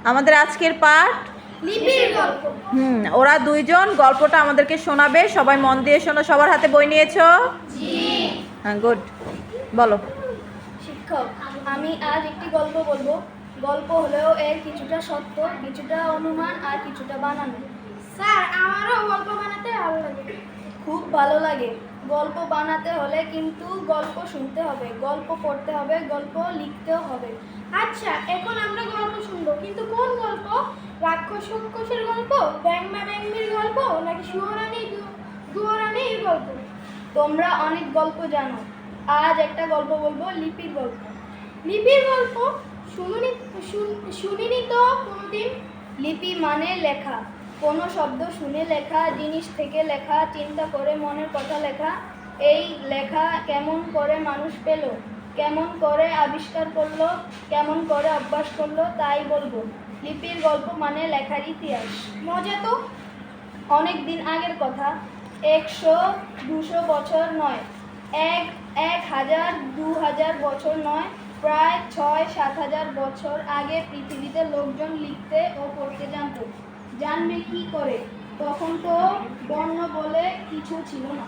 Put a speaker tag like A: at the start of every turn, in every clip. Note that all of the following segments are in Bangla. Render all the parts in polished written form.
A: আমাদের আজকের পাঠ
B: লিপির গল্প।
A: ওরা দুইজন গল্পটা আমাদেরকে শোনাবে। সবাই মন দিয়ে শোনো। সবার হাতে বই নিয়েছো? হ্যাঁ, গুড। বলো।
B: শিক্ষক, আমি আজ একটি গল্প বলবো। গল্প হলেও এর কিছুটা সত্য, কিছুটা অনুমান আর কিছুটা বানানো। স্যার, আমারও গল্প বানাতে ভালো লাগে। খুব ভালো লাগে। গল্প বানাতে হলে কিন্তু গল্প শুনতে হবে, গল্প পড়তে হবে, গল্প লিখতেও হবে। আচ্ছা, এখন আমরা গল্প শুনবো, কিন্তু কোন গল্প? রাক্ষসের গল্প, ব্যাঙমা ব্যাঙমির গল্প, নাকি সুয়োরানী দুয়োরানীর গল্প? তোমরা অনেক গল্প জানো, আজ একটা গল্প বলবো, লিপির গল্প। লিপির গল্প? শুনিনি তো কোনোদিন। লিপি মানে লেখা, কোনো শব্দ শুনে লেখা, জিনিস থেকে লেখা, চিন্তা করে মনের কথা লেখা। এই লেখা কেমন করে মানুষ পেল, কেমন করে আবিষ্কার করলো, কেমন করে অভ্যাস করলো, তাই বলবো। লিপির গল্প মানে লেখার ইতিহাস। মজা তো। অনেক দিন আগের কথা, 100-200 বছর নয়, 1000 2000 বছর নয়, প্রায় 6-7 হাজার বছর আগে পৃথিবীতে লোকজন লিখতে ও পড়তে জানতো। জানবে কি করে? তখন তো বর্ণ বলে কিছু ছিল না।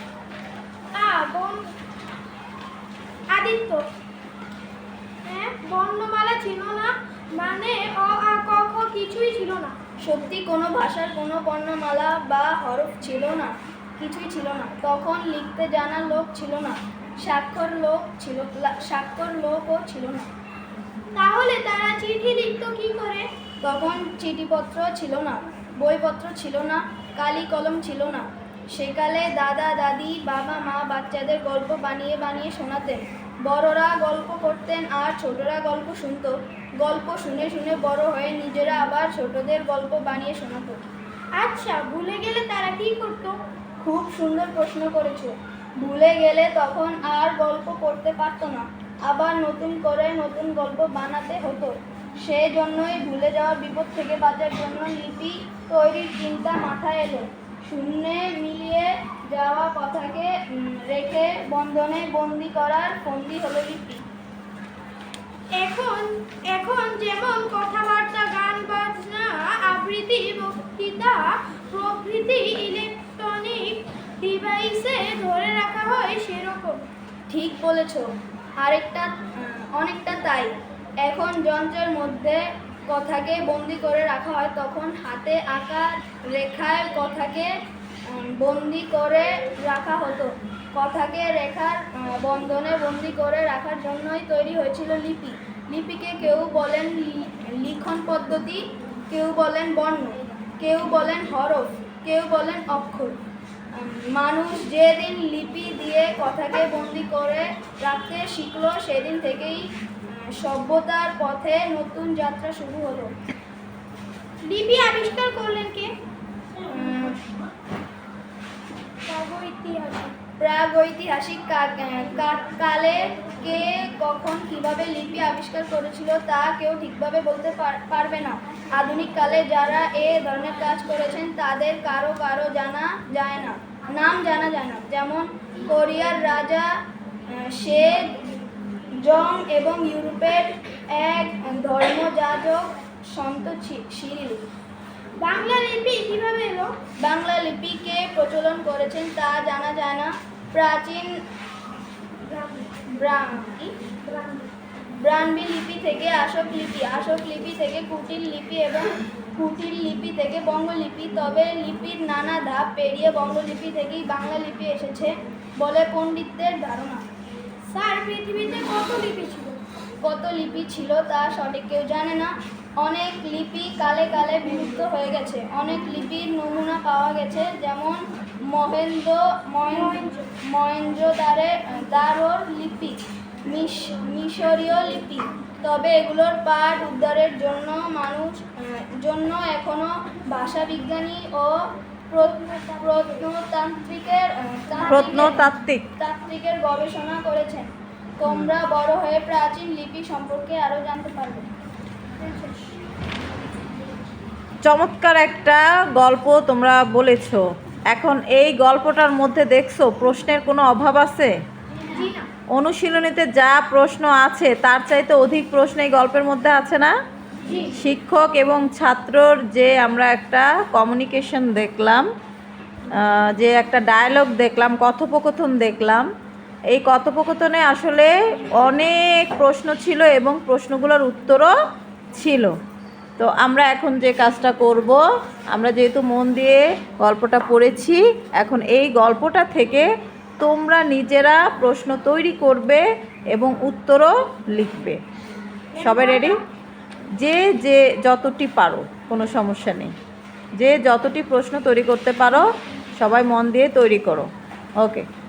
B: আদিত্য, হ্যাঁ, বর্ণমালা ছিল না, মানে অ আ ক খ কিছুই ছিল না। সত্যি, কোনো ভাষার কোনো বর্ণমালা বা হরফ ছিল না, কিছুই ছিল না। তখন লিখতে জানা লোক ছিল না, স্বাক্ষর লোকও ছিল না। তাহলে তারা চিঠি লিখতো কি করে? তখন চিঠিপত্র ছিল না, বইপত্র ছিল না, কালি কলম ছিল না। সেকালে দাদা দাদি বাবা মা বাচ্চাদের গল্প বানিয়ে বানিয়ে শোনাতেন। বড়রা গল্প করতেন আর ছোটরা গল্প শুনতো। গল্প শুনে শুনে বড় হয়ে নিজেরা আবার ছোটদের গল্প বানিয়ে শোনাতো। আচ্ছা, ভুলে গেলে তারা কি করতো? খুব সুন্দর প্রশ্ন করেছো। ভুলে গেলে তখন আর গল্প পড়তে পারতো না, আবার নতুন করে নতুন গল্প বানাতে হতো। সেই জন্যই ভুলে যাওয়ার বিপদ থেকে বাঁচার জন্য লিপি তৈরির চিন্তা মাথায় এলো। শূন্যে মিলিয়ে যাওয়া কথাকে রেখে বন্ধনে বন্দি করার ফন্দি হলো লিপি। এখন যেমন কথাবার্তা, গান বাজনা, আবৃত্তি, বক্তৃতা প্রভৃতি ইলেকট্রনিক ডিভাইসে ধরে রাখা হয়, সেরকম। ঠিক বলেছ। অনেকটা তাই। এখন যন্ত্রের মধ্যে কথাকে বন্দি করে রাখা হয়, তখন হাতে আঁকা রেখায় কথাকে বন্দি করে রাখা হতো। কথাকে রেখার বন্ধনে বন্দি করে রাখার জন্যই তৈরি হয়েছিল লিপি। লিপিকে কেউ বলেন লিখন পদ্ধতি, কেউ বলেন বর্ণ, কেউ বলেন হরফ, কেউ বলেন অক্ষর। মানুষ যেদিন লিপি দিয়ে কথাকে বন্দি করে রাখতে শিখলো, সেদিন থেকেই সভ্যতার পথে নতুন যাত্রা শুরু হলো। লিপি আবিষ্কার করলেন কে? প্রাগৈতিহাসিক কালে কে কখন কিভাবে লিপি আবিষ্কার করেছিল তা কেউ ঠিকভাবে বলতে পারবে না। আধুনিক কালে যারা এ ধরনের কাজ করেছেন তাদের কারো কারো জানা যায় না, নাম জানা যায় না। যেমন কোরিয়ার রাজা সে জং এবং ইউরোপের এক ধর্মযাজক সন্ত সিরিল। বাংলা লিপি কিভাবে এলো? বাংলা লিপিকে প্রচলন করেছেন তা জানা যায় না। প্রাচীন ব্রাহ্মী লিপি থেকে অশোক লিপি, অশোক লিপি থেকে কুটিল লিপি এবং কুটিল লিপি থেকে বঙ্গলিপি। তবে লিপির নানা ধাপ পেরিয়ে বঙ্গলিপি থেকেই বাংলা লিপি এসেছে বলে পণ্ডিতদের ধারণা। স্যার, পৃথিবীতে কত লিপি ছিল তা সঠিক কেউ জানে না। অনেক লিপি কালে কালে বিলুপ্ত হয়ে গেছে। অনেক লিপির নমুনা পাওয়া গেছে, যেমন মহেঞ্জোদারোর লিপি, মিশরীয় লিপি। তবে এগুলোর পাঠ উদ্ধারের জন্য এখনো ভাষাবিজ্ঞানী ও প্রত্নতাত্ত্বিকের গবেষণা করেছেন। তোমরা বড় হয়ে প্রাচীন লিপি সম্পর্কে আরো জানতে পারবে।
A: চমৎকার একটা গল্প তোমরা বলেছো। এখন এই গল্পটার মধ্যে দেখছো প্রশ্নের কোনো অভাব আছে? অনুশীলনীতে যা প্রশ্ন আছে তার চাইতে অধিক প্রশ্ন এই গল্পের মধ্যে আছে না?
B: জি
A: শিক্ষক এবং ছাত্রর যে আমরা একটা কমিউনিকেশন দেখলাম, যে একটা ডায়ালগ দেখলাম, কথোপকথন দেখলাম, এই কথোপকথনে আসলে অনেক প্রশ্ন ছিল এবং প্রশ্নগুলোর উত্তরও ছিল। তো আমরা এখন যে কাজটা করব, আমরা যেহেতু মন দিয়ে গল্পটা পড়েছি, এখন এই গল্পটা থেকে তোমরা নিজেরা প্রশ্ন তৈরি করবে এবং উত্তরও লিখবে। সবাই রেডি? যে যে যতটি পারো, কোনো সমস্যা নেই, যে যতটি প্রশ্ন তৈরি করতে পারো সবাই মন দিয়ে তৈরি করো। ওকে।